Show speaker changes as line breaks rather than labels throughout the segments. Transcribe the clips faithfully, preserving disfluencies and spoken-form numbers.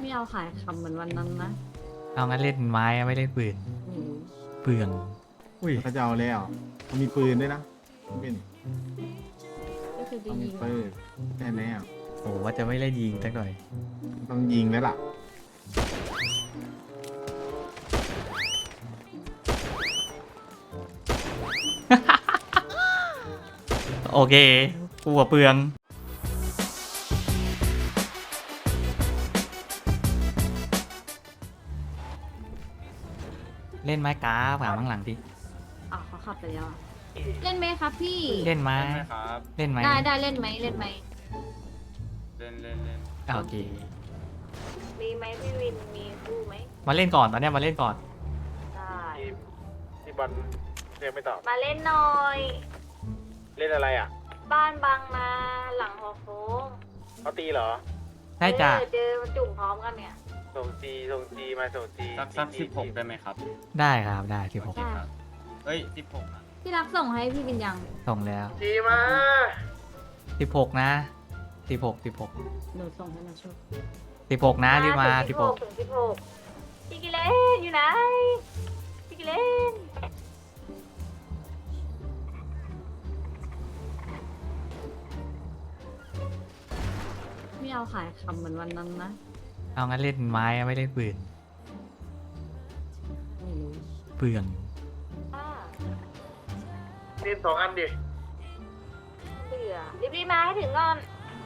ไม่เอาขายคำเหมือนวันนั้นนะ
เอางั้นเล่นไม้อะไม่เล่นปืน
อืม
เปลืองอุ้ย
เขาจะเอาแล้วมันมีปืนด้วยนะเป็น
ก็คือจะ
ต้องมี
ยิง
ปืนแน่แน่
โอ้ว่าจะไม่เล่นยิงสักหน่อย
ต้องยิงแล้วล่ะ
โอเคกูกับเปลือง เล่นไม้กาฝาข้างหลังดิ
อ๋อเขาขับไปแล้วอะเล่นไหมครับพี่
เล่นไม้
เล่นไหมครับ
เล่นไม้
ได้ได้เล่นไหมเล่นไหม
เล่นเล่นเล่น
โอเค
มีไหมพี่วินมีคู่ไหม
มาเล่นก่อนตอนเนี้ยมาเล่นก่อน
ได้
ที่ที่บอลเรียกไม่ตอบ
มาเล่นหน่อย
เล่นอะไรอ่ะ
บ้านบางนาหลังหอโค้ง
เขาตีเหรอ
ใช่จ้ะ
เออเจอจุ่มพร้อมกันเนี่ย
ส่งจีส่งจีมาส่งจี
สักสักสิบหกได้ไหมครับ
ได้ครับได้ที่ผม
โอเคครับเอ้ยสิบหกอ่ะ
พี่รักส่งให้พี่วินยัง
ส่งแล้ว
จีมา
สิบหกนะสิบหกสิบหก
หนูส่งให้มาช่วย
สิบหกนะรีบมาสิบหก
ถึงสิบหกพี่กิเลนอยู่ไหนพี่กิเลนไม่เอาขายคำเหมือนวันนั้นนะ
เอางั้นเล่นไม้อะไม่เล่นปืน
ไม่รู้
เปลือง
อ่า
เล่นสองอันดิ
เบื่อรีบๆมาให้ถึงก่อน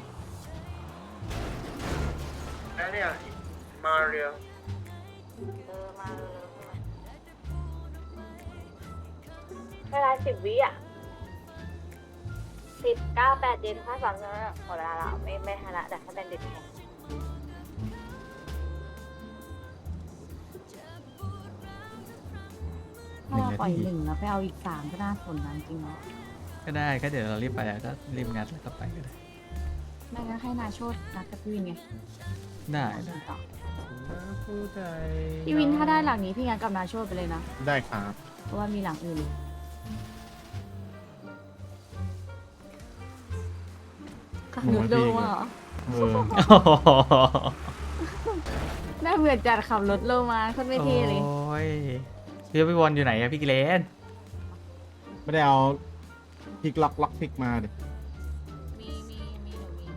แล้วเนี่ยมาเรียว
เออมาเร็วๆเวลาสิบวิอ่ะสิบเก้าแปดเจ็ดห้าสามสองหมดเวลาแล้วไม่ไม่ทันละแต่ถ้าเป็นเด็กแข่งถ้าเราปล่อยหนึ่งแล้วไปเอาอีกสามก็น่าสนนะจริงๆเนาะ
ก็ได้ก็เดี๋ยวเรารีบไปก็รีบงัดแล้วก็ไปก็ได้
ไม่งั้นให้นาโชดนัดกับพี่วินไง
ได้
ต่อ
ผู้ใจ
พี่วินถ้าได้หลังนี้พี่งั้นกับนาโชดไปเลยนะ
ได้ครับ
เพราะว่ามีหลังอื่นขับรถโลมาเหรอ
เออ
น่าเบื่อจัดขับรถโลมาโคนไม่เท่เลย
โอ้ยพี่พี่บอลอยู่ไหนอะพี่กิเลน
ไม่ได้เอาพลิกล็อกล็อกพลิกมาดิ
มีมีมีหนูมี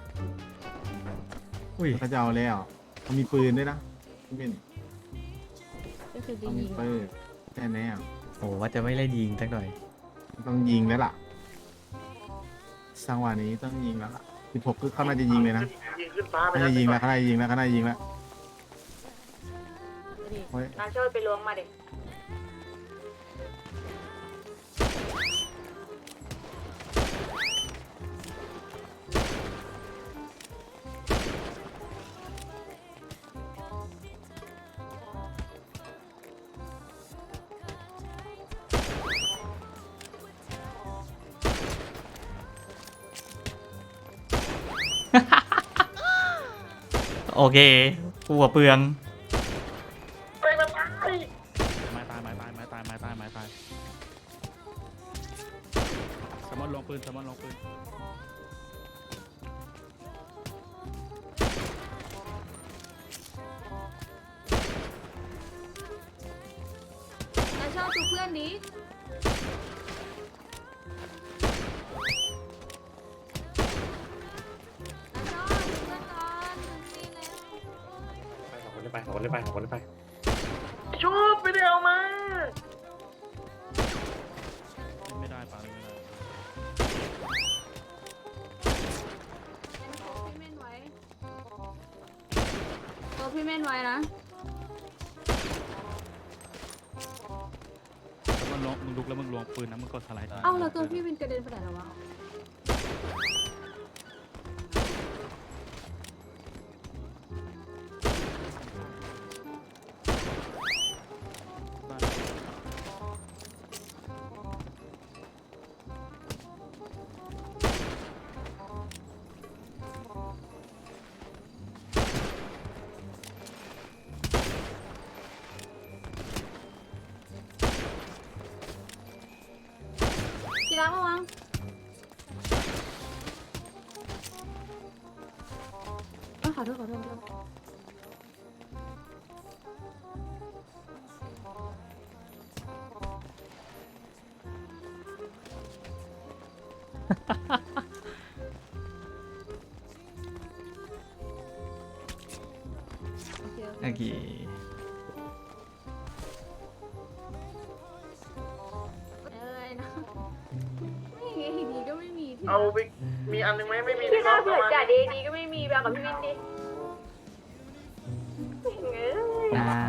อุ้ย
เขาจะเอาแล้วมันมีปืนด้วยนะเป็น
ก็คือจะ
ต้องมี
ยิง
ปืนแน่แน่
โอ้ว่าจะไม่เล่นยิงสักหน่อย
ต้องยิงแล้วล่ะสังหวะนี้ต้องยิงแล้วล่ะสิบหกคือเขาน่าจะยิงเลยนะ
ยิงขึ้นฟ้าไป
เขาจะยิงแล้วเขาน่าจะยิงแล้วเขาน่าจะยิงแล้ว โอ้ย
นาโชดไปล้วงมาเด็ก
โอเคกูกับเปลือง
ไปมาตาย
ไม้ตายไม้ตายไม้ตายไม้ตายไม้ตายสมอนลงปืนสมอนลงปืน
นาโชดชูเพื่อนดินาโชดชูเพื่อนก่อนมีแล้ว
สองคนเลยไปสองคนเลยไปสองคนเลยไปชุบไปเดียวมา
ไม่ได้ปาไม่ได้
พี่เม่นไว้ตัวพี่เม่นไว้นะ
สมอนลงมึงลุกแล้วมึงลวงปืนนะมึงกดสไลด์
เอ้าแล้วตัวพี่เป็นกระเด็นไปไหนแล้ววะกีฬามาวางเอ้ยขอโทษขอโทษขอโทษ
โอเค
อะไรนะไม่มีดีก็ไม่มีที่
เอาไปมีอันนึงไหมไม่มี
ที่น่าเบื่อจ่าดีดีก็ไม่มีแบบกับพี่วินดิเงี้ย
น้
ค่ะ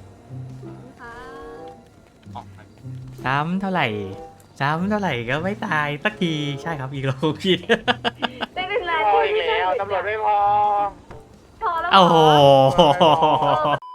ออกไป
ำซ้ำเท่าไหร่ซ้ำเท่าไหร่ก็ไม่ตายสักทีใช่ครับอีกแล้วผิด
ได้เป็นไร
พออีกแล้วตำรวจไม่พอ
พอแล้ว
โอ้โห
เออ